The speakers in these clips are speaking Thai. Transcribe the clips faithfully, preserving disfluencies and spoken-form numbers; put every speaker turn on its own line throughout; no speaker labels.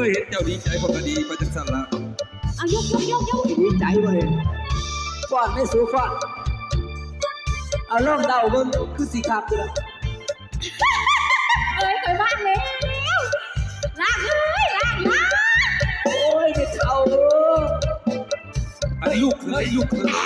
ยเห็นเจ้าดีใจคนก็ดีไปจังสั่นละ
เอายกยกยกยก
ดีใจเว้ยฟ้อนไม่สู้ฟ้อนเอาล่องเดาเบิ่งคือสีขาบตัวละ
เอ้ยเคยบ้านแล้วลากเลยลากลาก
โอ้ยไม่เท่า
อันนี้ลูกเคยลูกเคย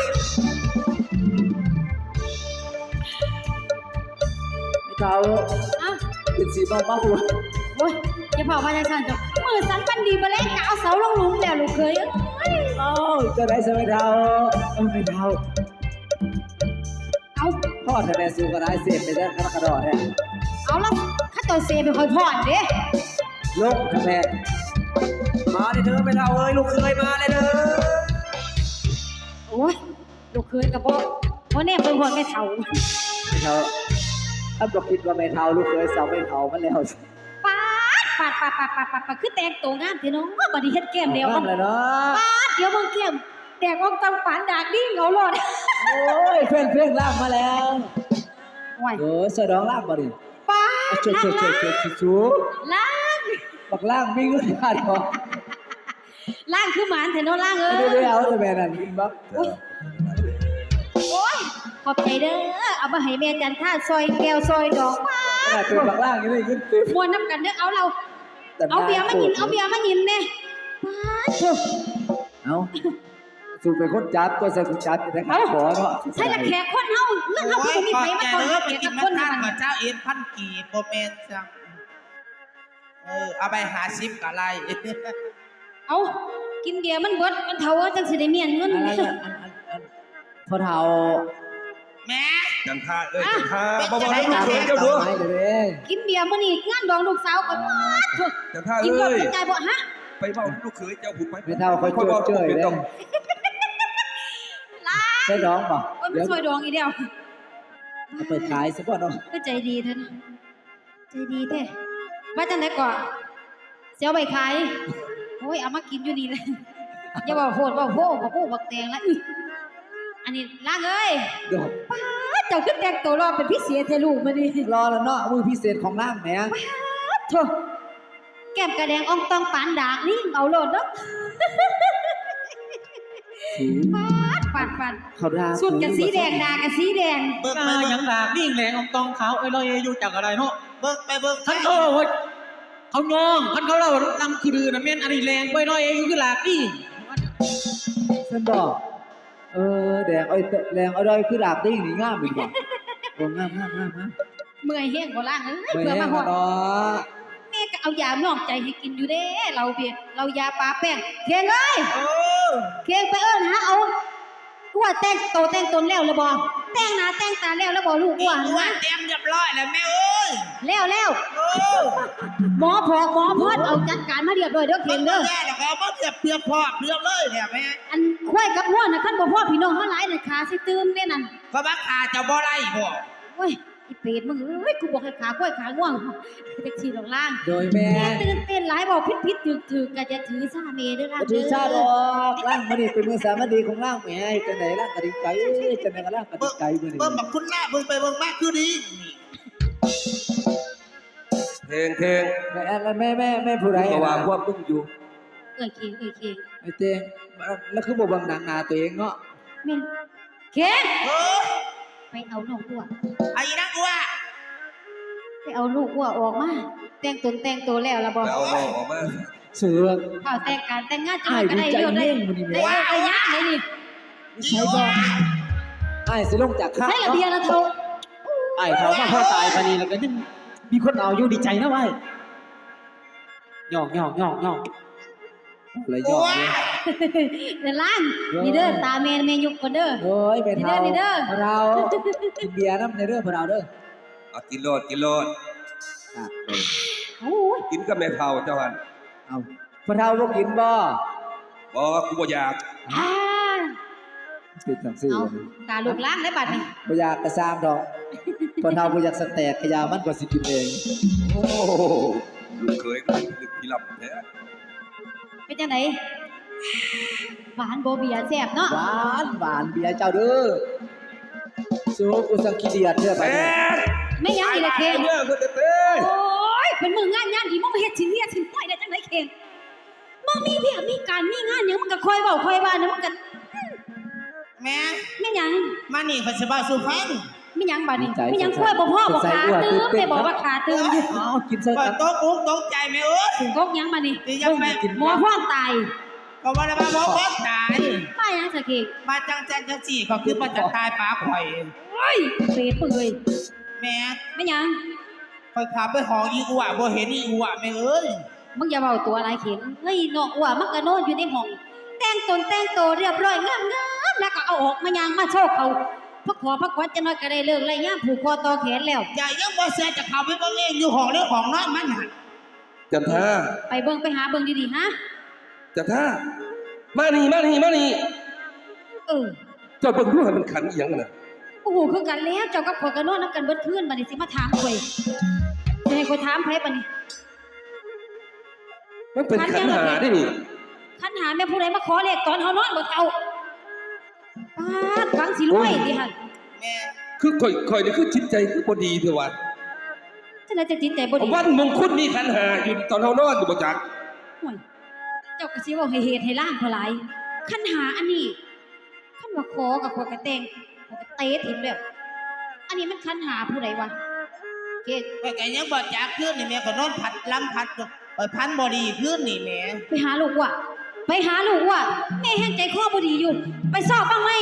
ไม่เท่า
อ่ะ
เป็นสีบ้าบ้าหัว
โอ้ยอย่าเผาพาจังสันจ้ะมือสันปันดีมาแล้วกะเอาเสาลงหลุมแล้วลูกเคยเอ้ย
เอ้าจะได้สไม่เท่าเอ้าไม่เท่า
เอา
พ่อทะเลสูงก็ได้เสียไปได้กระกระดอเนี่ย
เอาแล้วข้าเจ้าเซไปคอยพอดเด้
ลงทะเลมาเลยเธอไม่เท่าเอ้ยลูกเคยมาเลยเด้อ
โอ้ยลูกเคยกับพ่อพ่อแน่เป็นคนไม่เท่า
ไม่เท่าถ้าบอกคิดว่าไม่เท่าลูกเคยสาวไม่เท่ามันแล้ว
ปาดปาดปาดปาดปาดปาดปาดคือแตงตัวงามเถอะน้องว่าบัดนี้เฮ็ดแก้มเดียว
เอาเลยเนาะ
ปาดเดี๋ยวมึงแก้มแตกออกตังปานดากดิ้งเอาหลอด
โอ้ยเพื่อนเพื่อนลากมาแล้ว
โอ้ย
โอ้ยสะดองลากมาดิ
ปาด
ช่วยช่วยช่วยช่วยช่วย
ล่าง
บักล่างมีเงินขาดหรอ
ล่างคือหมานเถอะน้องล่างเอ้
ไม่ได้
ย
เอาแต่แม่นั่นอินบ็อก
โอ้ยขอบใจเด้อเอามาให้แม่จันท่าซอยแก้วซอยดอกปา
ขนาดเป็นบักล่างยังได้เงินเต็ม
มวนน้ำกันเด้อเอาเราเอาเบียร์มากินเอาเบียร์มากินแน่ปาดเถอะ
เอาสูบเป็นคนจับตัวใส่คนจับจะได้ขาขอเนาะ
ใช่ละแขกคนเฮาเรื่องเฮา
โอ้
คื
ย
อมี
ขอบ
ไผมา
ใจ
ก่อน
เด้อไป
แขก
กิ
กัน บ
มา
คน
ทาน
มั
กับเจ้าเอ็นพันกีโปรเมนจังเออเอาไปหาซิปกะไร
เอากินเบียร์มันเบิดมันเท่าจังสิได้เมียนเงิน
อะไรอันอันอันพอเท่า
แม่
จังท่าเอ้ยจังท่า
อ่ะ
บ่บ่
เป็น
ให้
จั
ลู
ง
ก
ไง
เคยเจ้าดู
ไม่เลย
กินเบียร์มื้อนี้งานดองลูกสาวก่อนมาเถอะ
จังท่า
กิน
เอ้
บ่
ย
เป็นใจบ่ฮะ
ไปเว้าลูกเคยเจ้าผุดไป
ไม่เท่าคอย
ค่อย
เจอ
เว้า
เจอ
เป็น
เลย
ต้อง
ลา
ใช่น้องป่ะ
โอ้ยมั
เดี๋
น
ยว
ซอยดองอีเดียว
เอาไปขายซะก่อนเนาะ
ก็ใจดีเถอะนะใจดีแท้ว่าจังได๋ก่อนเสียวใบขายโอ้ยเอามากินอยู่นี่แหละอย่าบอกโหดบอกโหบอกโหบอกแตงละอึอันนี้ล่างเอ้ย
เดี๋ยว
ป้าดเจ้าขึ้นแต่งตัวรอเป็นพิเศษเทลูกมาดิ
รอแล้วเนาะมือพิเศษของล่างแหม
โถแก้มกระแดงอ่องตองปานดากนี่เอาโลดเนาะ
สี
ปาดปาดปาด
เขาด่า
สุดกับสีแดงดากับสีแดง
เบิ่ง
กา
ไป
ห
เบิ่
ยัง งดากนิ่งแหลงอองตองขาวไอ้ลอยอยู่จากอะไรเนาะ
เบิ่งไปเบิ่ง
ท่านเขาเฮ้ยเขายองท่านเขาเล่าลำคือดือนะแม่นอันนี้แรงไปลอยอยู่คือหลากนี่
เส้นบอกเออแดงไอ้แดงไอ้ดอยคือดาบติ้งนี่งามอีกบ่โอ้งามงามงามงาม
เมื่อยแห้งบ่ล่างเอ้ย
ไม่
เพื่อ
แน่
มาหอด
เนาะ
แม่ก็เอายานอกใจให้กินอยู่เด้เราเบียร์เรายาปลาแป้งเคียงเอ้ย
โอ้
เคียงไปเอิ้นหาเอากูว่าแต่งโตแต่งตนแล้วแล้วบ่แต่งหน้าแต่งตาแล้วแล้วบ่ลูก
อี
ว่า
ตัว
นะ
เต็มเรียบร้อยแล้วแม่เอ้ย
แล้วแล้ว
โอ้
หมอพอกหมอพอดเอาจัดการมาเรียบร้อยเด้อเคียงเด้อ
แม่แล้วเขาบ่เทียบเทียบพอเรียบเลยเนี่ยแม่
อันควายกับหัวน่ะคันบ่พ่อพี่น้องเฮาหลายน่ะขาสิตื่นเด้นั่น
เขาบักขาจะบ่ได้บ่
โอ้ยอีเป็ดมึงเอ้ยกูบอกให้ขาควายขาง่วงแท็กซี่ลงล่าง
โดยแม่
แม่ตื่นเต้นหลายบอกผิดๆถึกๆก็จะถือซาเมเด้อล่ะ
ถือชาดอกล่างมันนี่เป็นมือสามัญดีของล่างแหมจังไหนล่างกระดิ่งไก่จังไหนก็ล่างกระดิ่งไก่มือนี่
เบิ่งบักคุณหน้าเบิ่งไปเบิ่งมาคือดีนี่
เพลงเพลง
แม่แม่แม่แม่ผู้ใด
ก็ว่าพวกมึงอยู่
เอ้ยเคียงเอ้ยเคียง
ไอ้เต้งแล้วคือบ่บังหนังหนาตัวเองเนาะ
แม่นเคียง
โอ้
ไปเอาน้องอ้ว
ไอ้นักว่า
ไปเอาลูกอ้วออกมาแต่งตนแต่งตัวแล้วล่ะบ่
ไปเอาน้องออกมา
เสือ
เอาแต่งการแต่งงานจัง
อ้าย
ก็
ดี
ได้
ใจ
เรื่องได้
เน่งมื้อนี้
ได้
แม่
เอายะได้นี่
ใช่บ่อ้ายสิลงจากข้า
ใช่ระเบียงนะเฒ่า
ไอ้เขามาพ่อตายปานนี้แล้วก็ยังมีคนเอาอยู่ดีใจนะไว้หยอกหยอกหยอกหยอก
เลยยอดเลย
เด้อล่างนี่เด้อตาแม่แม่ยุกก่อนเด้อ
โอ้ยแม่เฒ่า
นี่เด้อนี่เด้อ
เรากินเบียร์น้ำในเด้อพวกเราเด้อ
เอากินโลดกินโลด
ครับ
โอ้ย
กินกับแม่เฒ่าเจ้าหัน
เอาพวกเราบ่กินบ่
บ่กูบ่อยาก
อ่า
เป็นจังซี่
เอา
เลย
ตาลูกล่างได้บัดนี้
บ่อยากกระซามดอกพวกเราบ่อยากสแตกขยามันก็สิกินเอง
โอ้ลูกเคยก็ลึกที่ลำแท้
เป็นจังไดหวานบ่เบียร์แซ่บเนาะ
หวานหวานเบียร์เจ้าเด้อสู้กูสังขี้เดียดเด้อไป
แม่
เนี่ย
ไม่ยังอีกละเคียง
เนี่ยเพิ่นเต้
โอ้ยเป็นมืองานงานดีมึงมาเฮ็ดชิ้นเรียชิ้นต้อยได้จังไดเข่งมึงมีเพียมีการมีงานหยังมึงก็คอยเว้าคอยว่าเนี่ยมึงก็
แม่
แม่หยัง
มานี่เขาสิบ่าสู่ฟัง
แม่หยังบัดนี้แม่หยังคอยบ่พ่อบ่ขาตื้มได้บอกว่าขาตื้มอยู่
เอากินใส่
ก็
กัน
ตกอกตกใจแม่เอ้ย
กกหยังบัดนี้
นี่ยังแม่
หมอพ่อตาย
ก็ว่าได้มาบ่บ่ตาย
มาหยังซะเข่ง
มาจังจันจังสี่ก็คือมาจะตายปลาข่อย
โอ้ยเปรตมึงเอ้ย
แม่
แม่หยัง
ข่อยขับไปหองอีอัวบ่เห็นอีอัวแม่เอ้ย
มึงอย่าเว้าตัวอะไรเข่งเฮ้ยน้องอ้วมันก็นอนอยู่ในห้องแต่งตนแต่งโตวเรียบร้อยงามๆแล้วก็เอาออกมายางมาโชว์เขาพักขอพักขวัญจะน้อยก็ได้เลิกไล่ย่ามผูกคอต่อแขนแล้ว
ใหญ่ยังบ่เสียจะเข้าไปเบิ่งเองอยู่ห้องเรื่องของน้อยมันน่ะ
จันทา
ไปเบิ่งไปหาเบิ่งดีๆฮะ
จันทามานี่มานี่มานี่
เออ
เจ้าเบิ่งดูให้มันขันอีหยังกันน่ะ
โอ้โหคือกันแล้วเจ้ากับข่อยก็นอนนํกันเบิดคืนบัดนี้สิมาถามข่อยจะให้ข่อยถามไผบัดนี้
มันเป็นขันหาได้นี่
คันหาแม่ผู้ใดมาขอเลขตอนเฮานอนบ่เฒ่าปาดหวังสิรวยติหั่น
แม่
คือข่อยข่อยนี่คือจิตใจคือบ่ดีเถอะว่ะ
จังได๋จะจิตใจบ่ดี
วันมงคลมีขันหาอยู่ตอนเฮานอนอยู่บ่จัก
โอ้ยเจ้าก็สิเว้าให้เหตุให้ล่างเท่าหลายคันหาอันนี้คันว่าขอกับข่อยก็แต่งข่อยก็เตะทิ่มแล้วอันนี้มันคันหาผู้ใดวะเก๊ก
ไปไกยังบ่จักขึ้นนี่แม่ก็นอนพัดลำพัดไปพันบ่ดีขึ้นนี่แม่
ไปหาลูกว่ะไปหาลูกว่ะแม่แห้งใจคอบ่ดีอยู่ ไปสอบบ้างไหม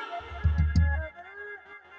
ไป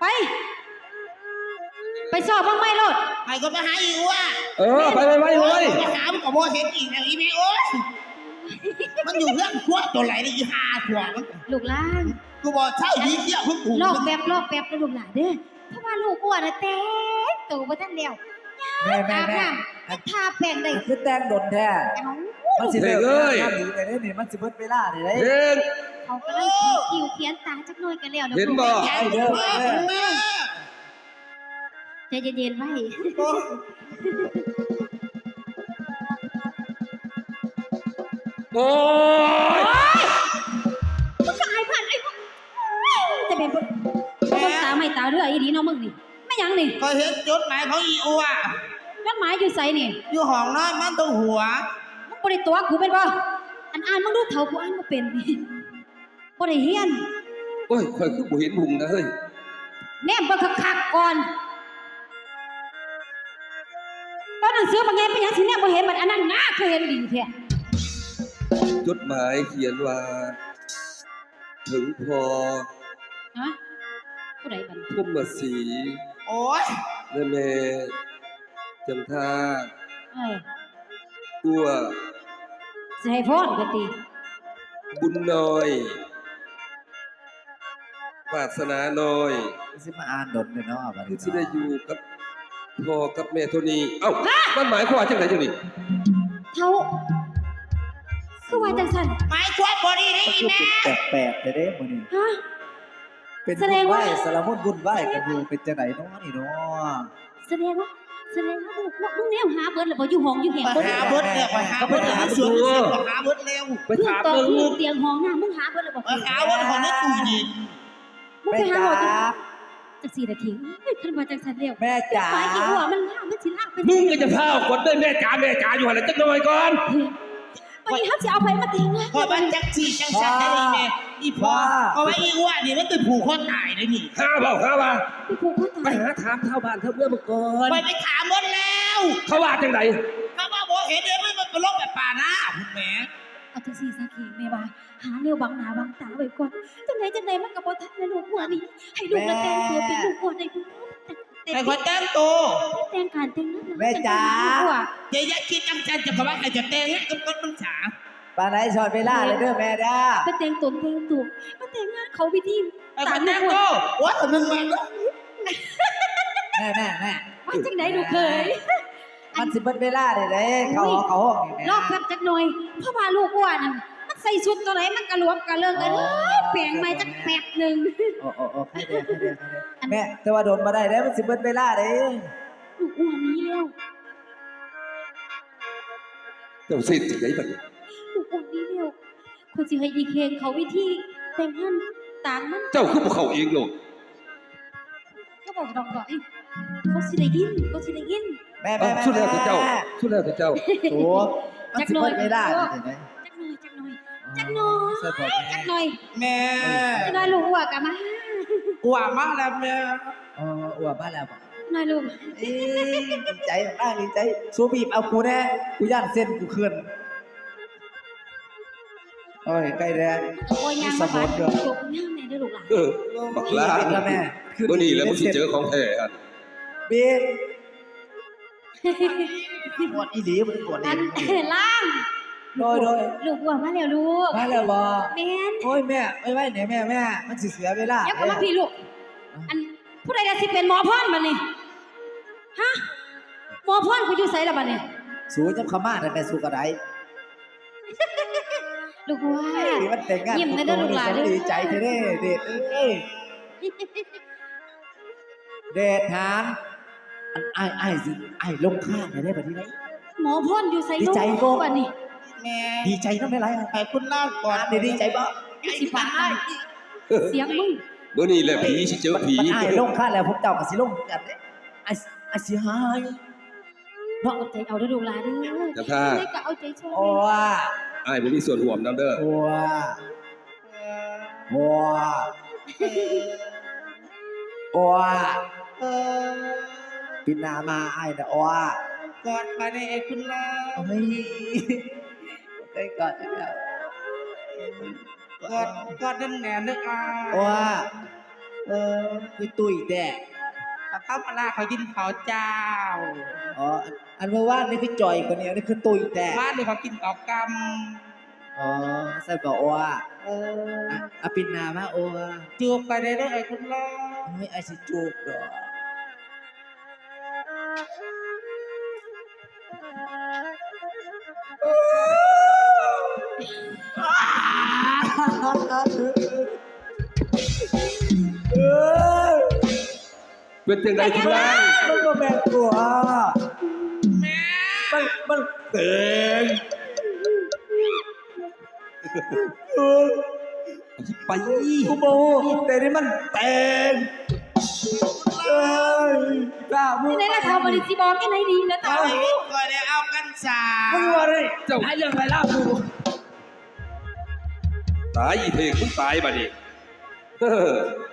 ไปสอบบ้างไหมโลด
ไอ้ก็ไปหาอีอัว
เออไปไปไปเลย
ไปหามันก็บ่เห็นอีกแล้วอีแม่โอ้ยมันอยู่เรื่องขวดตัวไหนนี่อีห่าขวดมัน
ลูกหล่าง
กูบอกเช่าดีเที่ยวเพิ่งถูก
ลอกแบบลอกแบบนะลูกหลานเด้อเพราะว่าลูกอ้วนน่ะแต่งตัวบ่ทันแล้ว
แม่แม่
อาบ
แม่
น้ำให้ทาแป้งได้
คือแต่งดนแท้
เอ้า
มันสิเลิกงานดีไปเด้นี่มันสิเบิดเวลาเด้เด้
เห็น
เขากำลังขีดคิ้วเขียนตาจักหน่อยกันแล้วนะ
เห็นบ่
แย่เด้อแม่
ใจเย็นๆไว้
โอ้ย
มึงก็อายผ่านไอ้พวกจะเป็นพวกคนตาไม่ตาเรืออีดีเนาะมึงนี่ไม่หยังนี่
ก็เห็นจดหมายของอีอัว
จดหมายอยู่ไสนี่
อยู่ห้องนอนมันต้องหัว
มึงบ่ได้ตัวกูเป็นบ่อันอ่านมึงดูเฒ่ากูอ่านบ่เป็นนี่บ่ได้เฮียน
โอ้ยข่อยคือบ่เห็นหุงนะเฮ้ย
แนมเบิ่งคักๆก่อนตอนหนังสือบางไงเป็นหยังสิแนมบ่เห็นมันอันนั้นน่าเคยเห็นดีแท้
จดหมายเขียนว่า ถึงพอ
ฮะผู้ใดบัด
พุ่มมาสี
โอ้ย
และแม่จันทา
เออ
ตัว
สิให้พรก็ติ
บุญน้อยวาสนาน้อย
สิมาอ่านดนเนาะบัด
ที่
นี้
สิได้อยู่กับพ่อกับแม่เท่านี้ เอ้ามันหมายความว่าจังไดจังนี่
เฒ่าคือว่าจังซั่น
หมายความบ่ดีได้
มัน
อี
คือ
แม่
แปลกๆเด้มื้อนี้
ฮะ
เป็น
แสดงว่า
สารมุนบุญไหว้กันอยู่เป็นจังไดเนาะนี่เนาะ
แสดงว่าแสดงว่าลูกมึงแนวหาเบิดแล้วบ่อยู่ห้องอยู่แหง
ไป
เบิด
หาเบิดเนี่ยไปหาเบิดหาสวนไปหาเบิดเร็ว
ไป
พื้น
ถาม
ต่อ
เบิ่ง
พื้นเตียงห้องน้ามึงหาเบิดแล้วบ่
ไปหาเบิดของในตู้เย็น
มึง
แม่
ไปหาหมอจัง
จ๋า
จังสี่นาทีเฮ้ยคันว่าจังซั่นแล้ว
แม่จ๋า
หมายอีหัวมันล่ามันสิลากไป
มึงก็จะพาออกกดได้แม่จ๋าแม่จ๋าอยู่หั่นแหละจักหน่อยก่อน
ไปเฮาสิเอาไปมาแต่งงาน
พอมันจักสีจังสันได้อีแม่อีพ่อเพราะว่าอีอ้วนนี่มันเป็นผูกคอตายเลยนี่
หาเปล่าหาว่า
ไปผูกคอ
ไป
ตาย
หาถามชาวบ้านชาวเมืองมาก่อน
ไปไปถามหมดแล้ว
เขาว่าจังได
ถ้าว่าบ่เห็นเดี๋ยวมันเป็นโรคแบบป่าหน้าคุณแม่
เอาจังสี่ซะเคีแม่ว่าหาแนวบังหน้าบังตาไว้ก่อนจังไดจังไดมันก็บ่ทันนะลูกหัวนี่ให้ลูกน่ะแต่งตัวเป็นลูกหัวได้บ่แต่
แต่คนแต่งตัว
แต่งการแต่งงาน
แม่จ๋า
อย่าอย่าคิดจังจันจะกว่าใครจะแต่งให้กับคนมันฉา
ปานไหนสอนเวลาเลยเด้อแม่ด้า
ไปแต่งตนแต่งตัวมาแต่งงานเขาพิธี
ไอ้คนแต่งตัวว่าแต่มึงมันก็
แม่แม่แม่
ว่าจังไดลูกเคย
มันสิเบิดเวลาเด้เด้เขาเขาห้องนี่แม่
รอบแป๊บจักหน่อยเพราะว่าลูกอ้วนนั่นมันใส่ชุดตัวไหนมันกระหลวมกระเลิงกันเอ้ยแปลงใหม่จักแป๊บหนึง
โอ้โอ้โอ้ใครเด้ใครเด้ใครเด้แม่แต่ว่าโดนบ่ได้เด้มันสิเบิดเวลาเด้
ลูกอ้วนนี้แล้ว
เจ้าสิจังไดบัดนี้
ลูกอ้วนนี้แล้วคนสิให้อีเคงเขาวิธีแต่งงานต่างมัน
เจ้าคือบ่เข้าเองโลก
ก็บอกดอกดอกอีเขาสิได้ยินเขาสิได้ยิน
แม่
เอา
แม่แม่
สุดแล้วแต่เจ้าสุดแล้วแต่เจ้า
โอ้มันสิเปิดไม่ได้เห็นไหม
จักหน่อยจักหน่อยจักหน่อย
ใส่บอก
จักหน่อย
แม่
จักหน่อยลูกหัวกะมา
อ้วมากแล้วแม่
เอออวดบ้านแล้วบอก
หน่อยลูก
เอ้ยดีใจมากดีใจสูบีบเอากูแน่กูย่านเส้นกูเคลื่อนโอ้ยใกล้แรง
โอ้ยยางมาบาดจบงามแน่เด้อลูกหลาน
เออบักลา
เป็นแล้วแม่
เมื่อนี้แล้วมึงสิเจอของแท้อัน
บีบปวดอีหลีมันปวด
อั
เอง
นล่าง
โดยโดย
ลูกหัวมาแล้วลูก
มาแล้วบอ
แม่น
โอ้ยแม่ไม่ไหวเนี่ยแม่แม่มันสิเสียเวลา
เดี๋ยวเข้ามาพี่ลูก อันผู้ใดจะสิเป็นหมอพรบัดนี้ฮะหมอพรกูอยู่ไสล่ะบัดนี้
สูจำขม่าแต่แม่สูกระได
ลูกหัว
นี่มันแต่งงาน
ยิ้มนะเด้อลูกหลานเด้อ
ดีใจเท่เด้เด็ดเอ้ยเด็ดหานอันไอ้ไอ้สิไอ้ลงข้างได้แบบนี้ไหม
หมอพรอยู่ไส
ดีใจบ่
บัดนี้
แม่
ดีใจน้ำไม่ไร
ให้คุณเล่าก่อน
ดีดีใจบ่
สิปากได้เสียงมึง
เมื่อนี้แหละผีสิเจอผี
มันไอ้ลงข้างแล้วผมเจ้ากับสิลงกันเด้ไอ้ไอ้สิหาย
เนาะเอาใจเอาเด้อลูกหลานเด้อ
จันท่า
ได้ก็เอาใจช่วย
โอ้ว่า
อ้ายบ่มีส่วนร่วมนํเด้อ
โอ้ว่าโอ้ว่าโอ้ว่า
เออ
ปินามาไอ้นะโอ้ว่าก
อดมาในไอ้คุณเล่า
เฮ้ยไปก่อนนะ
กอดกอดนั่นแน่นึกอ่ะ
โอ้ว่าเออคือตุยแต่
ข้าวปลาเขากินข้าวเจ้า
อ๋ออันเมื่อวานนี่คือจ่อยกว่านี้นี่คือตุยแต่
บ้านนี่เขากินข้าวก
อ๋อใส่บอกว่า
ำเออ
อ่ะอะปินนามาโอ้ว่า
จูบไปได้ด้วยไอ้คุณเล่า
ไม่ไอสิจูบดอก
เป็นจังไดคุณล่ะ
มันก็แม่นกว่ามันมันเต็ง
ไป
กูโมแต่นี่มันเต็งเอ้ยกล้ามึง
ที่ไหนล่ะเท่าบริสิบอกที่ไหนดีนะเท่า
เอาอีกก่อนได้เอากันสา
มึงว่าเลยเจ้าหายเรื่องอะไรล่ะกู
ตายอีเทงมึงตายบัดนี้เออ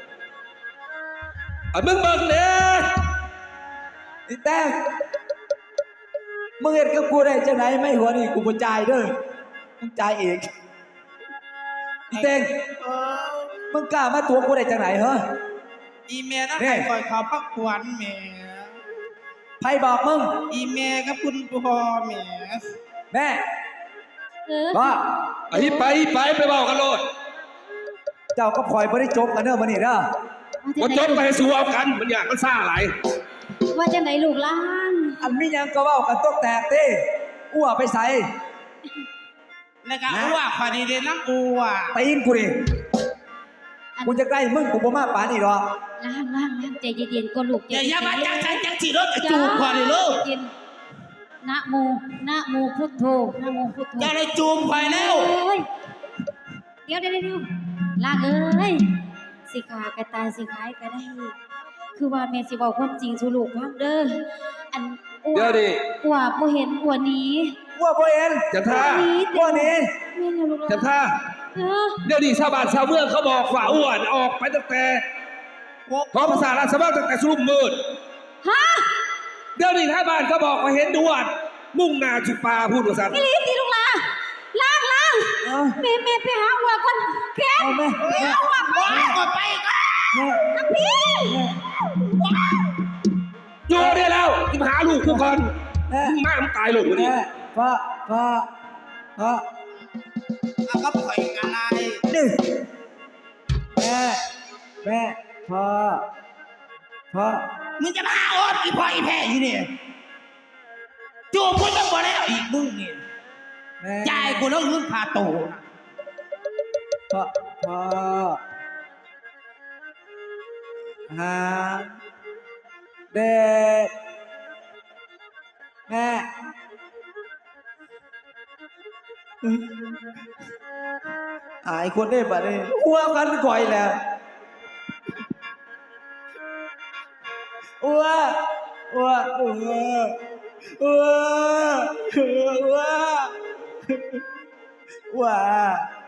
อันมึงเบิ่งเด้
อีแต้งมึงเห็นกับกูได้จังไหนไม่หัวนี่กูบ่จ่ายเด้อมึงจ่ายเองอีแต้ง
เออ
มึงกล้ามาตัวกูได้จังไหนเหรอ
อีเมลนะ
นี่
ให้คอยขอพักขวัญแหม่
ใครบอกมึง
อีเมลกับคุณพ่อแหม่
แม่
เออ
ว่า
ไอ้ไปไปไปเว้ากันโลด
เจ้าก็พลอยบ่ได้จบกันเด้อมื้อนี้เด้อ
บ่จบไปให้สู้เอากันมันยากมันซ่าหลาย
ว่าจังไหนลูกหลาน
อันมีหยังก็เว้ากันตกแตกเต้อ้วไปใส่
แล้วก็อ้วกพอดีเดน้ำอ้วก
ตีนกูดิกูจะใกล้มึงกูบ่มาปานนี้หรอก
ล่างล่างล่างใจเย็นๆก็ลูก
อย่าอย่ามาจังใจจังสิรถกระจูบพอดีลูก
เย็นนะโมนะโมพุทโธนะโมพุทโธ
จะเลยจูบคอยแล้ว
เอ้ยเดี๋ยวเดี๋ยวเดี๋ยวล่างเอ้ยสิขากระตายสิขายก็ได้ คือว่าแม่สิบอกความจริงสู่ลูกฟังเด้ออันอ้ว
เดี๋ยวดิ
อ้วบ่เห็นอ้วหนี้
อ้วบ่เห็น
จันท่า
อ้วหนี้
แม่นแล้วลูกหลาน
จันท่า
เออ
เดี๋ยวนี้ชาวบ้านชาวเมืองเขาบอกว่าอ้วนออกไปตั้งแต่ขอภาษาราชบัณฑิตตั้งแต่สุ่มมืด
ฮะ
เดี๋ยวนี้ท้ายบ้านเขาบอกว่าเห็นดวดมุ่งหน้าจุปาพูดภาษา
อีหลีตีลูกหลานล่างล่าง
เอา
แม่แม่ไปหาอ้วก่อนแค้น
เอาแม่
เอาอ้วไป
ว้าวก็ไปก็
แม่
ทั้งพี่
อยู่ได้แล้วกูหาลูกกูก่อน
แม่
มึงมามึงตายหลงวันนี้
แม่พ่อพ่อพ่อ
เอาก็ปล่อยอะไร
นี่แม่แม่พ่อพ่อ
มึงจะมาอดอีพ่ออีแพ้อยู่เนี่ยจูบกูยังบ่แล้วอีกมึงนี่
แม่
จ่ายกูแล้วเงินพาโตนะ
พ่อพ่อหาเด็กแม่อายคนได้บัดนี้หัวกันก่อยแล้วอ้วอ้วอ้วอ้วอ้วอ้ว